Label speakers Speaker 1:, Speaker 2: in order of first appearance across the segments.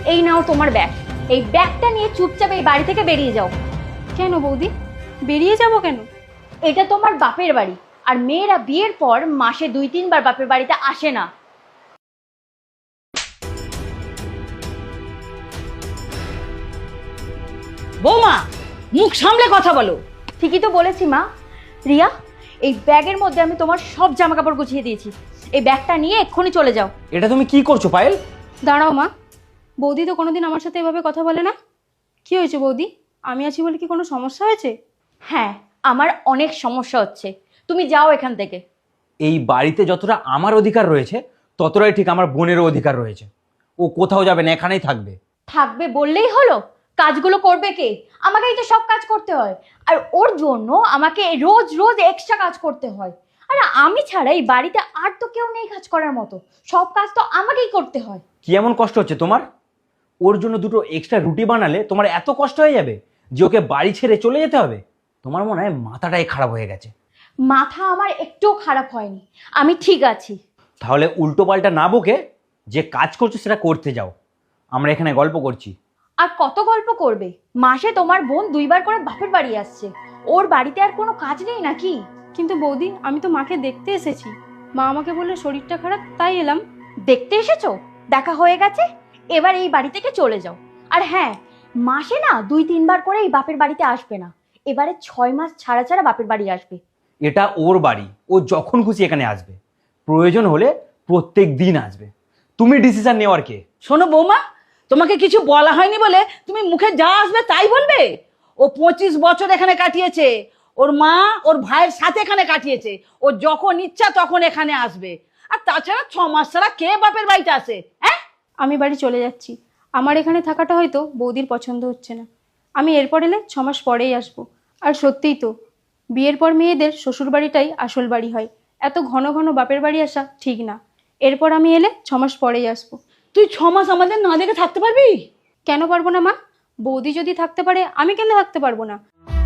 Speaker 1: এই নাও তোমার ব্যাগ। এই ব্যাগটা নিয়ে চুপচাপ এই বাড়ি থেকে বেরিয়ে যাও।
Speaker 2: কেন বৌদি, বেরিয়ে যাব কেন?
Speaker 1: এটা তোমার বাপের বাড়ি, আর মেয়েরা বিয়ের পর মাসে 2-3 বার বাপের বাড়িতে আসে না।
Speaker 3: বৌমা, মুখ সামলে কথা বলো।
Speaker 1: ঠিকই তো বলেছি মা। রিয়া, এই ব্যাগের মধ্যে আমি তোমার সব জামা কাপড় গুছিয়ে দিয়েছি। এই ব্যাগটা নিয়ে এক্ষুনি চলে যাও।
Speaker 4: এটা তুমি কি করছো পায়েল?
Speaker 2: দাঁড়াও মা, বৌদি তো কোনোদিন আমার সাথে এভাবে কথা বলে না। কি হয়েছে বৌদি, আমি আছি বলে কি কোনো সমস্যা হয়েছে?
Speaker 1: হ্যাঁ, আমার অনেক সমস্যা হচ্ছে। তুমি যাও এখান থেকে।
Speaker 4: এই বাড়িতে যতটা আমার অধিকার রয়েছে ততটাই ঠিক আমার বোনেরও অধিকার রয়েছে। ও কোথাও যাবে না, এখানেই থাকবে।
Speaker 1: থাকবে বললেই হলো? কাজগুলো করবে কে? আমাকেই তো সব কাজ করতে হয়, আর ওর জন্য আমাকে রোজ রোজ এক্সট্রা কাজ করতে হয়। আর আমি ছাড়া এই বাড়িতে আর তো কেউ নেই কাজ করার মতো। সব কাজ তো আমাকেই করতে হয়।
Speaker 4: কি এমন কষ্ট হচ্ছে তোমার? ওর জন্য দুটো এক্সট্রা রুটি বানালে তোমার এত কষ্ট হয়ে যাবে যে ওকে বাড়ি ছেড়ে চলে যেতে হবে? তোমার মনে হয় মাথাটাই খারাপ হয়ে গেছে।
Speaker 1: মাথা আমার একটুও খারাপ হয়নি, আমি ঠিক আছি।
Speaker 4: তাহলে উল্টো পাল্টা না বকে যে কাজ করছো সেটা করতে যাও। আমরা এখানে গল্প করছি।
Speaker 1: আর কত গল্প করবে? মাসে তোমার বোন 2বার করে বাপের বাড়ি আসছে। ওর বাড়িতে আর কোনো কাজ নেই নাকি?
Speaker 2: কিন্তু বৌদি, আমি তো মাকে দেখতে এসেছি। মা আমাকে বললে শরীরটা খারাপ, তাই এলাম।
Speaker 1: দেখতে এসেছো? দেখা হয়ে গেছে, এবার এই বাড়ি থেকে চলে যাও। আর হ্যাঁ, মাসে না 2-3বার করে এই বাপের বাড়িতে আসবে না। এবারে 6 মাস ছাড়া ছাড়া বাপের বাড়ি আসবে।
Speaker 4: এটা ওর বাড়ি, ও যখন খুশি এখানে আসবে। প্রয়োজন হলে প্রত্যেক দিন আসবে। তুমি ডিসিশন নেওয়ার কে?
Speaker 3: শোনো বৌমা, তোমাকে কিছু বলা হয়নি বলে তুমি মুখে যা আসবে তাই বলবে? ও 25 বছর এখানে কাটিয়েছে। ওর মা ওর ভাইয়ের সাথে এখানে কাটিয়েছে। ও যখন ইচ্ছা তখন এখানে আসবে। আর তাছাড়া 6 মাস ছাড়া কে বাপের বাড়িতে আসে? হ্যাঁ,
Speaker 2: আমি বাড়ি চলে যাচ্ছি। আমার এখানে থাকাটা হয়তো বৌদির পছন্দ হচ্ছে না। আমি এরপর এলে 6 মাস পরেই আসবো। আর সত্যিই তো, বিয়ের পর মেয়েদের শ্বশুর বাড়িটাই আসল বাড়ি হয়। এত ঘন ঘন বাপের বাড়ি আসা ঠিক না। এরপর আমি এলে 6 মাস পরেই আসবো।
Speaker 3: তুই 6 মাস আমাদের না দেখে থাকতে পারবি?
Speaker 2: কেন পারবো না মা? বৌদি যদি থাকতে পারে, আমি কেন থাকতে পারবো না?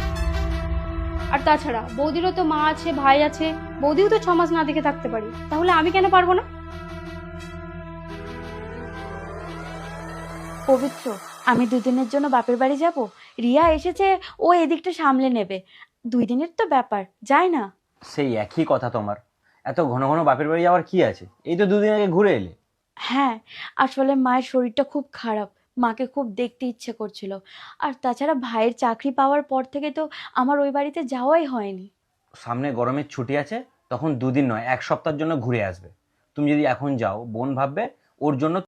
Speaker 2: আর তাছাড়া বৌদিরও তো মা আছে, ভাই আছে। বৌদিও তো 6 মাস না দেখে থাকতে পারি, তাহলে আমি কেন পারবো না?
Speaker 1: পবিত্র, আমি 2 দিনের জন্য বাপের বাড়ি যাব। রিয়া এসেছে, ও এদিকটা সামলে নেবে। 2 দিনের তো ব্যাপার, যায় না?
Speaker 4: সেই একই কথা তোমার। এত ঘন ঘন বাপের বাড়ি যাওয়ার কি আছে? এই তো 2 দিন আগে ঘুরে এলে।
Speaker 1: হ্যাঁ, আসলে মায়ের শরীরটা খুব খারাপ। মাকে খুব দেখতে ইচ্ছে করছিল। আর তাছাড়া ভাইয়ের চাকরি পাওয়ার পর থেকে তো আমার ওই বাড়িতে যাওয়াই হয়নি।
Speaker 4: সামনে গরমের ছুটি আছে, তখন 2 দিন নয় 1 সপ্তাহের জন্য ঘুরে আসবে। তুমি যদি এখন যাও বোন ভাববে ওর জন্য